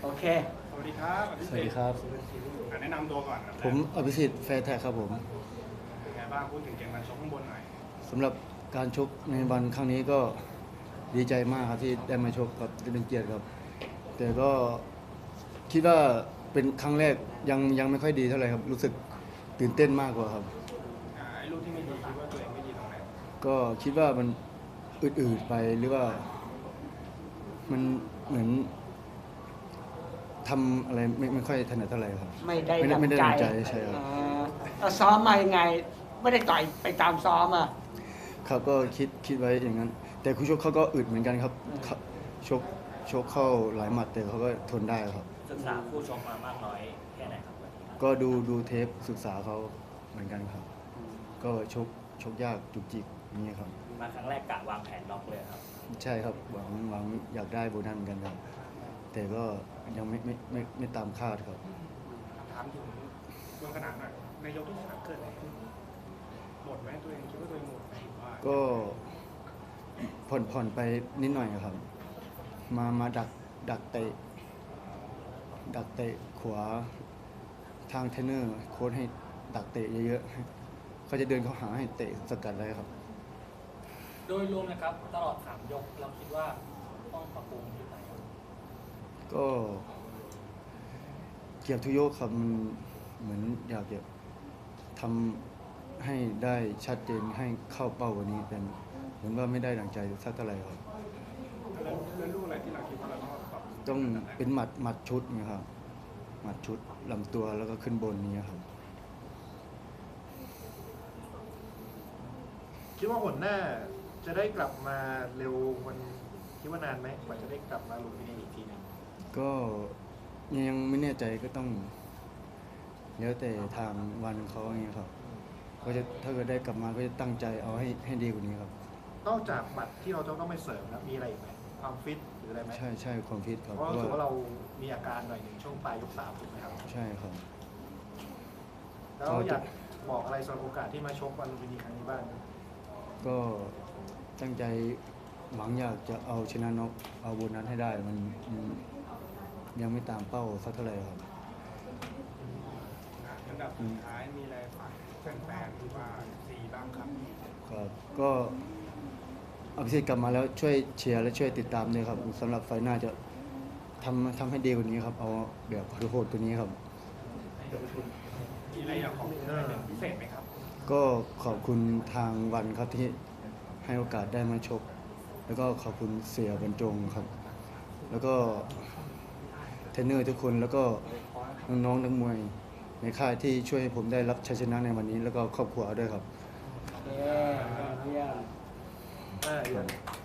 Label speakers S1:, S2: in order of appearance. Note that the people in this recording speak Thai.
S1: โอเค
S2: สวัสดีครับ
S3: สวัสดีครับ
S2: แนะนำตัวก่อนครับ
S3: ผมอภิสิทธิ์แฟร์แท็กครับผม
S2: เป็นไงบ้างพูดถึงเกมการชกข้างบนหน่อย
S3: สำหรับการชกในวันครั้งนี้ก็ดีใจมากครับที่ได้มาชกกับเป็นเกียรติครับ แต่ก็คิดว่าเป็นครั้งแรกยังไม่ค่อยดีเท่าไหร่ครับ รู้สึกตื่นเต้นมากกว่าครับ
S2: ไอ้ลูกที่ไม่ดีคิดว่าตัวเองไม่ดีตรงไหน
S3: ก็คิดว่ามันอืดๆไปหรือว่ามันเหมือนทำอะไรไม่ค่อยถนัดเท่าไหร่ครับ
S1: ไม่ได้
S3: ไม่
S1: ดัง
S3: ได้
S1: ใจ
S3: ดังใจใช่ครับ
S1: แล้วซ้อมมายังไง ไม่ได้ต่อยไปตามซ้อมอ่ะ
S3: ครับก็คิดไว้อย่างนั้น แต่คู่ชกเขาก็อึดเหมือนกันครับเขาชกเข้าหลายหมัดแต่เขาก็ทนได้ครับ
S4: ศึกษาคู่ชกมามากน้อยแค่ไหนครับวันนี้ครับ
S3: ก็ดูเทปศึกษาเขาเหมือนกันครับ ก็ชกยากจุกจิกอย่างนี้ครับ
S4: มาครั้งแรกกะวางแผนน็อกเลยครับ
S3: ใช่ครับหวังอยากได้โบนัสเหมือนกันครับ แต่ก็ยังไม่ตามคาดครับ
S2: ถามถึงเรื่องขนาดหน่อยในยกที่สามเกิดอะไรขึ้นหมดไหมตัวเองคิดว่าตัวเองหมดไหมว่า
S3: ก็ผ่อนไปนิดหน่อยครับ มาดักเตะขวาทางเทรนเนอร์โค้ชให้ดักเตะเยอะๆเขาจะเดินเข้าหาให้เตะสกัดได้ครับ
S5: โดยรวมนะครับตลอด3 ยกเราคิดว่าต้องปรับปรุงที่ไหนครับ
S3: ก็เกียรติทุกยกครับมันเหมือนอยากจะทำให้ได้ชัดเจนให้เข้าเป้ากว่านี้เป็นเหมือนว่าไม่ได้ดังใจสักเท่าไหร่ครับ
S2: แล้วลูกอะไรที่เราคิดว่าเราต้องปรับ
S3: ต้องเป็นหมัดชุดนี่ครับหมัดชุดลำตัวแล้วก็ขึ้นบนนี้ครับ
S6: คิดว่าหนหน้าจะได้กลับมาเร็วมันคิดว่านานไหมกว่าจะได้กลับมาลุมพินีอีกทีหนึง
S3: ก็ยังไม่แน่ใจก็ต้องแล้วแต่ทางวันเขาอย่างเงี้ยครับก็จะถ้าเกิดได้กลับมาก็จะตั้งใจเอาให้ดีกว่านี้ครับ
S6: นอกจากหมัดที่เราจะต้องไปเสริมแล้วมีอะไรอีกไหมความฟิตหรืออะไรไหม
S3: ใช่ความฟิตครับ
S6: เพราะรู้สึกว่าเรามีอาการหน่อยหนึ่งช่วงปลายยก 3ถูกไหมครับ
S3: ใช่ครับ
S6: แล้วอยากบอกอะไรสำหรับโอกาสที่มาชกวันลุมพินีครั้งนี้บ้าง
S3: ก็ตั้งใจหวังอยากจะเอาชนะน็อกเอาโบนัสให้ได้มันยังไม่ตามเป้าสักเท่าไหร่ครับ
S2: อันดับสุดท้ายมีอะไรฝากแฟนๆหรือว่าซีบ้างครับ
S3: ครับก็อภิสิทธิ์กลับมาแล้วช่วยเชียร์และช่วยติดตามด้วยครับสำหรับไฟล์หน้าจะทำให้ดีกว่านี้ครับ เอาแบบโหดๆตัวนี้ครับ
S2: มีอะไรอยากขอบคุณอะไรเป็นพิเศษไหมครับ
S3: ก็ขอบคุณทางวันครับที่ให้โอกาสได้มาชก แล้วก็ขอบคุณเสียบรรจงครับ แล้วก็เทรนเนอร์ทุกคนแล้วก็น้องๆนักมวยในค่ายที่ช่วยให้ผมได้รับชัยชนะในวันนี้ แล้วก็ครอบครัวด้วยครับ
S1: เยี่ยม
S6: เดี๋ยว